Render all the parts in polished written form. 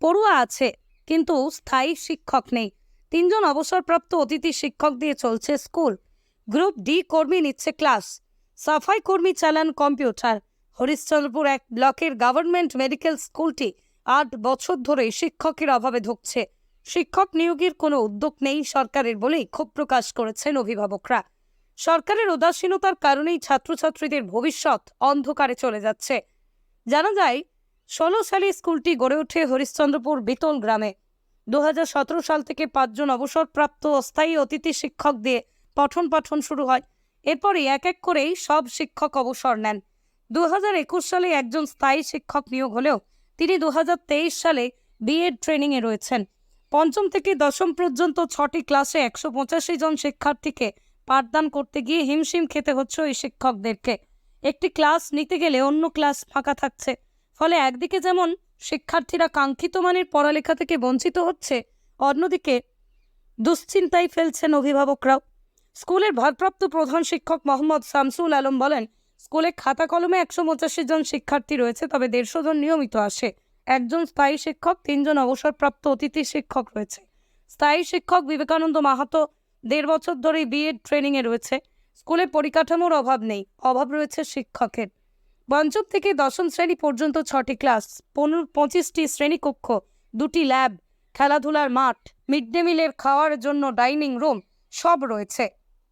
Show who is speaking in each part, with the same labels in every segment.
Speaker 1: পড়ুয়া আছে, কিন্তু স্থায়ী শিক্ষক নেই। 3 জন অবসরপ্রাপ্ত অতিথি শিক্ষক দিয়ে চলছে স্কুল। গ্রুপ ডি কর্মী নিচ্ছে ক্লাস। সাফাই কর্মী চালান কম্পিউটার। হরিশ্চন্দ্রপুর 1 ব্লকের গভর্নমেন্ট মেডিকেল স্কুলটি 8 বছর ধরে শিক্ষকের অভাবে ধুঁকছে। শিক্ষক নিয়োগের কোনো উদ্যোগ নেই সরকারের বলেই ক্ষোভ প্রকাশ করেছেন অভিভাবকরা। সরকারের উদাসীনতার কারণেই ছাত্রছাত্রীদের ভবিষ্যৎ অন্ধকারে চলে যাচ্ছে। জানা যায়, 16 সালে স্কুলটি গড়ে ওঠে হরিশ্চন্দ্রপুর বিতল গ্রামে। 2017 সাল থেকে 5 জন অবসরপ্রাপ্ত অস্থায়ী অতিথি শিক্ষক দিয়ে পঠন পাঠন শুরু হয়। এরপরই এক এক করেই সব শিক্ষক অবসর নেন। 2021 সালে একজন স্থায়ী শিক্ষক নিয়োগ হলেও তিনি 2023 সালে বিএড ট্রেনিংয়ে রয়েছেন। পঞ্চম থেকে দশম পর্যন্ত 6টি ক্লাসে 185 জন শিক্ষার্থীকে পাঠদান করতে গিয়ে হিমশিম খেতে হচ্ছে ওই শিক্ষকদেরকে। একটি ক্লাস নিতে গেলে অন্য ক্লাস ফাঁকা থাকছে। ফলে একদিকে যেমন শিক্ষার্থীরা কাঙ্ক্ষিত মানের পড়ালেখা থেকে বঞ্চিত হচ্ছে, অন্যদিকে দুশ্চিন্তায় ফেলছেন অভিভাবকরাও। স্কুলের ভারপ্রাপ্ত প্রধান শিক্ষক মোহাম্মদ শামসুল আলম বলেন, স্কুলে খাতা কলমে 185 জন শিক্ষার্থী রয়েছে, তবে 150 জন নিয়মিত আসে। একজন স্থায়ী শিক্ষক, 3 জন অবসরপ্রাপ্ত অতিথি শিক্ষক রয়েছে। স্থায়ী শিক্ষক বিবেকানন্দ মাহাতো 1.5 বছর ধরেই বিএড ট্রেনিংয়ে রয়েছে। স্কুলে পরিকাঠামোর অভাব নেই, অভাব রয়েছে শিক্ষকের। পঞ্চম থেকে দশম শ্রেণী পর্যন্ত 6টি ক্লাস, 25টি শ্রেণীকক্ষ, 2টি ল্যাব, খেলাধুলার মাঠ, মিড ডে মিলের খাওয়ার জন্য ডাইনিং রুম সব রয়েছে।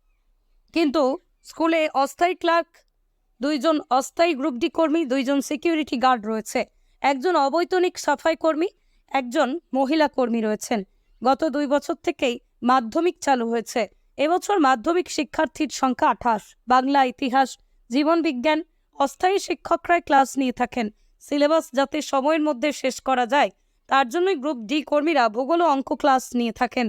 Speaker 1: কিন্তু স্কুলে অস্থায়ী ক্লার্ক, 2 জন অস্থায়ী গ্রুপ ডি কর্মী, 2 জন সিকিউরিটি গার্ড রয়েছে, একজন অবৈতনিক সাফাই কর্মী, একজন মহিলা কর্মী রয়েছেন। গত 2 বছর থেকেই মাধ্যমিক চালু হয়েছে। এবছর মাধ্যমিক শিক্ষার্থীর সংখ্যা 28। বাংলা, ইতিহাস, জীবন বিজ্ঞান অস্থায়ী শিক্ষকরাই ক্লাস নিয়ে থাকেন। সিলেবাস যাতে সময়ের মধ্যে শেষ করা যায়, তার জন্যই গ্রুপ ডি কর্মীরা ভূগোল ও অঙ্ক ক্লাস নিয়ে থাকেন।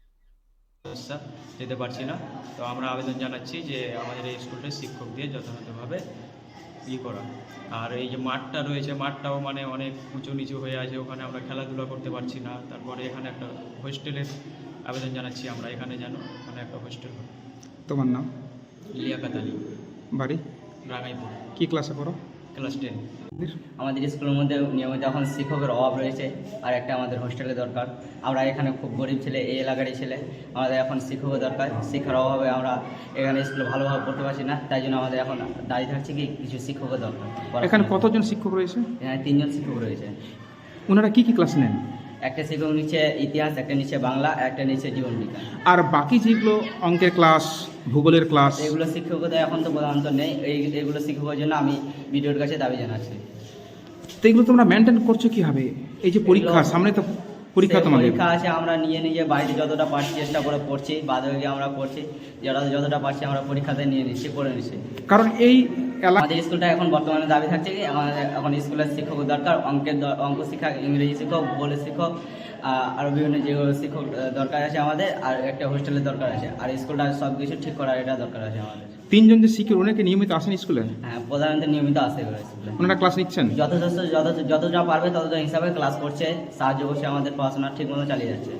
Speaker 2: যেতে পারছি না, তো আমরা আবেদন জানাচ্ছি যে আমাদের এই স্কুলটা শিক্ষক দিয়ে যথাযথভাবে করা। আর এই যে মাঠটা রয়েছে, মাঠটাও মানে অনেক উঁচু নিচু হয়ে আছে, ওখানে আমরা খেলাধুলা করতে পারছি না। তারপরে এখানে একটা হোস্টেলের আবেদন জানাচ্ছি আমরা, এখানে যেন মানে একটা হোস্টেল হয়।
Speaker 3: তোমার নাম?
Speaker 2: লিয়াকাত আলী,
Speaker 3: বাড়ি?
Speaker 2: রাঙাইপুর।
Speaker 3: কি ক্লাসে পড়ো?
Speaker 2: ক্লাস 10।
Speaker 4: আমাদের স্কুলের মধ্যে নিয়মিত এখন শিক্ষকের অভাব রয়েছে, আর একটা আমাদের হোস্টেলের দরকার। আমরা এখানে খুব গরিব ছেলে, এই এলাকারই ছেলে, আমাদের এখন শিক্ষকের দরকার। শিক্ষার অভাবে আমরা এখানে স্কুলে ভালোভাবে পড়তে পারছি না, তাই জন্য আমাদের এখন দাঁড়িয়ে থাকছে কি কিছু শিক্ষকের দরকার।
Speaker 3: এখানে কতজন শিক্ষক রয়েছে?
Speaker 4: এখানে 3 জন শিক্ষক রয়েছে।
Speaker 3: ওনারা কি কি ক্লাস নেন?
Speaker 4: একটা শিক্ষক নিচ্ছে ইতিহাস, একটা নিচ্ছে বাংলা, একটা নিচ্ছে জীবন বিজ্ঞান।
Speaker 3: আর বাকি যেগুলো অঙ্কের ক্লাস, ভূগোলের ক্লাস,
Speaker 4: এগুলো শিক্ষকদের এখন তো প্রধানত নেই। এইগুলো শিক্ষকের জন্য আমি ভিডিওর কাছে দাবি জানাচ্ছি।
Speaker 3: তো এগুলো তোমরা মেনটেন করছো কিভাবে? এই যে পরীক্ষা সামনে, তো পরীক্ষা তোমাদের
Speaker 4: পরীক্ষা আছে, আমরা নিজে বাড়িতে যতটা পারছি চেষ্টা করে পড়ছি, বাদবাকি আমরা করছি, যতটা পারছি আমরা পরীক্ষাতে নিয়ে নিচ্ছি, পড়ে নিচ্ছি।
Speaker 3: কারণ এই
Speaker 4: আমাদের স্কুলটা এখন বর্তমানে দাবি থাকছে কি আমাদের এখন স্কুলের শিক্ষক দরকার, অঙ্ক শিক্ষক, ইংরেজি শিক্ষক, ভূগোলের শিক্ষক, আরও বিভিন্ন যেগুলো শিক্ষক দরকার আছে আমাদের, আর একটা হোস্টেলের দরকার আছে, আর স্কুলটা সব কিছু ঠিক করার এটা দরকার আছে আমাদের।
Speaker 3: 3 জন যে শিক্ষক, ওনাকে নিয়মিত আসেন স্কুলে?
Speaker 4: হ্যাঁ, প্রধানত নিয়মিত আসে স্কুলে।
Speaker 3: ওনারা ক্লাস নিচ্ছেন?
Speaker 4: যতটা পারবে ততটা হিসাবে ক্লাস করছে, সাহায্য করছে, আমাদের পড়াশোনা ঠিক মতো চালিয়ে যাচ্ছে।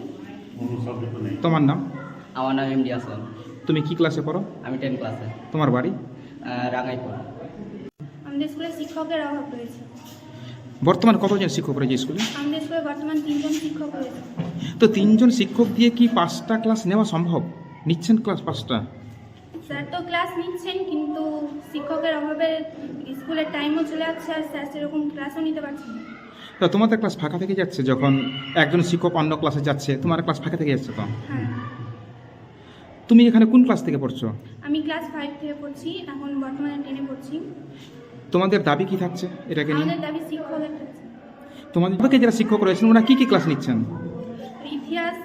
Speaker 3: তোমার নাম?
Speaker 4: আমার নাম এমডি আসলাম।
Speaker 3: তুমি কি ক্লাসে পড়ো?
Speaker 4: আমি 10 ক্লাসে।
Speaker 3: তোমার বাড়ি?
Speaker 4: রাঙাইপুর।
Speaker 5: আমাদের স্কুলে শিক্ষকের অভাব রয়েছে।
Speaker 3: বর্তমানে কতজন শিক্ষক রয়েছে স্কুলে?
Speaker 5: আমাদের স্কুলে বর্তমান 3 জন শিক্ষক রয়েছে।
Speaker 3: তো 3 জন শিক্ষক দিয়ে কি 5টা ক্লাস নেওয়া সম্ভব? নিচ্ছেন ক্লাস 5টা?
Speaker 5: স্যার তো ক্লাস নিচ্ছেন, কিন্তু শিক্ষকের অভাবে স্কুলের টাইমও চলে যাচ্ছে, আর স্যার সেরকম ক্লাসও নিতে পারছেন না।
Speaker 3: তো তোমাদের ক্লাস ফাঁকা থেকে যাচ্ছে, যখন একজন শিক্ষক অন্য ক্লাসে যাচ্ছে তোমার ক্লাস ফাঁকা থেকে যাচ্ছে। তো
Speaker 5: হ্যাঁ,
Speaker 3: তুমি এখানে কোন ক্লাস থেকে পড়ছো?
Speaker 5: আমি ক্লাস 5 থেকে পড়ছি, এখন বর্তমানে 10-এ পড়ছি।
Speaker 3: তোমাদের দাবি কি থাকছে এটাকে নিয়ে?
Speaker 5: আমাদের দাবি শিক্ষকের কাছে।
Speaker 3: তোমাদের যারা শিক্ষক রয়েছেন ওরা কি কি ক্লাস নিচ্ছেন?
Speaker 5: ইতিহাস,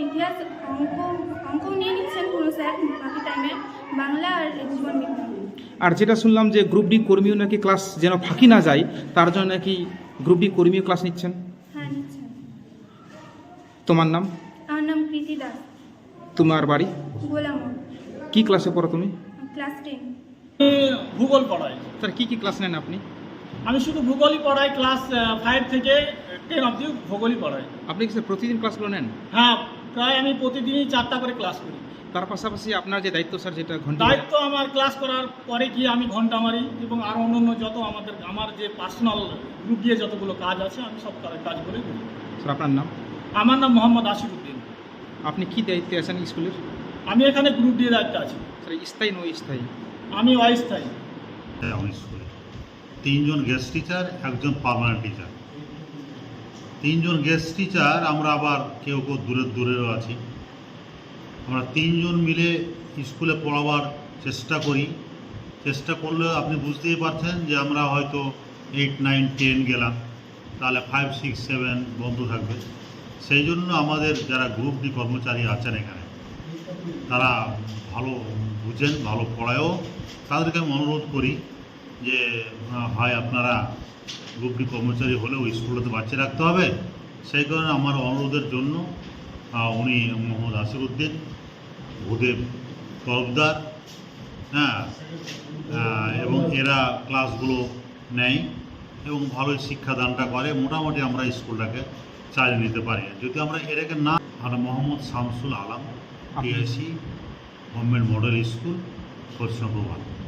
Speaker 5: অঙ্ক নিয়ে নিচ্ছেন কোনো স্যার বাকি টাইমে, বাংলা আর জীবন বিজ্ঞান।
Speaker 3: আর যেটা শুনলাম যে গ্রুপ ডি কর্মীও নাকি ক্লাস যেন ফাঁকি না যায়, তার জন্য নাকি গ্রুপ ডি কর্মীও ক্লাস নিচ্ছেন।
Speaker 5: হ্যাঁ, নিচ্ছেন।
Speaker 3: তোমার নাম?
Speaker 5: আমার নাম প্রীতি দাস।
Speaker 3: তোমার বাড়ি?
Speaker 5: গোলাম।
Speaker 3: কি ক্লাসে পড়ো তুমি?
Speaker 5: ক্লাস 10।
Speaker 6: ভূগোল পড়াই।
Speaker 3: স্যার কি কি ক্লাস নেন আপনি?
Speaker 6: আমি শুধু ভূগোলই পড়াই, ক্লাস 5 থেকে 10 অবধি ভূগোলই পড়াই।
Speaker 3: আপনি কি স্যার প্রতিদিন ক্লাসগুলো নেন?
Speaker 6: হ্যাঁ, প্রায় আমি প্রতিদিনই 4টা করে ক্লাস করি।
Speaker 3: তার পাশাপাশি আপনার যে দায়িত্ব স্যার, যেটা ঘন্টা
Speaker 6: দায়িত্ব আমার ক্লাস করার পরে গিয়ে আমি ঘন্টা মারি এবং আরও অন্যান্য যত আমার যে পার্সোনাল গ্রুপ দিয়ে যতগুলো কাজ আছে আমি সব কাজগুলো করি।
Speaker 3: স্যার আপনার নাম?
Speaker 6: আমার নাম মোহাম্মদ আসিরউদ্দিন।
Speaker 3: আপনি কি দায়িত্বে আছেন স্কুলের?
Speaker 6: আমি এখানে গ্রুপ দিয়ে দায়িত্ব আছি।
Speaker 3: স্যার স্থায়ী নয় স্থায়ী?
Speaker 6: আমি অস্থায়ী।
Speaker 7: আমার স্কুলে 3 জন গেস্ট টিচার, 1 জন পার্মানেন্ট টিচার। 3 জন গেস্ট টিচার, আমরা আবার কেউ কেউ দূরেও আছি। আমরা 3 জন মিলে স্কুলে পড়াবার চেষ্টা করি। চেষ্টা করলেও আপনি বুঝতেই পারছেন যে আমরা হয়তো 8, 9, 10 গেলাম, তাহলে 5, 6, 7 বন্ধ থাকবে। সেই জন্য আমাদের যারা গ্রুপ ডি কর্মচারী আছেন এখানে, তারা ভালো বুঝেন, ভালো পড়ায়ও। তাদেরকে আমি অনুরোধ করি যে হয় আপনারা গ্রুপ ডি কর্মচারী হলেও স্কুলটাতে বাচ্চা রাখতে হবে। সেই কারণে আমার অনুরোধের জন্য উনি মোহাম্মদ আসিরউদ্দিন, ভূদেব তরফদার, হ্যাঁ, এবং এরা ক্লাসগুলো নেয় এবং ভালোই শিক্ষাদানটা করে। মোটামুটি আমরা স্কুলটাকে চালিয়ে নিতে পারি। যদি আমরা এটাকে না, আর Mohammad Shamsul Alam, TIC government model school, Krishnapur.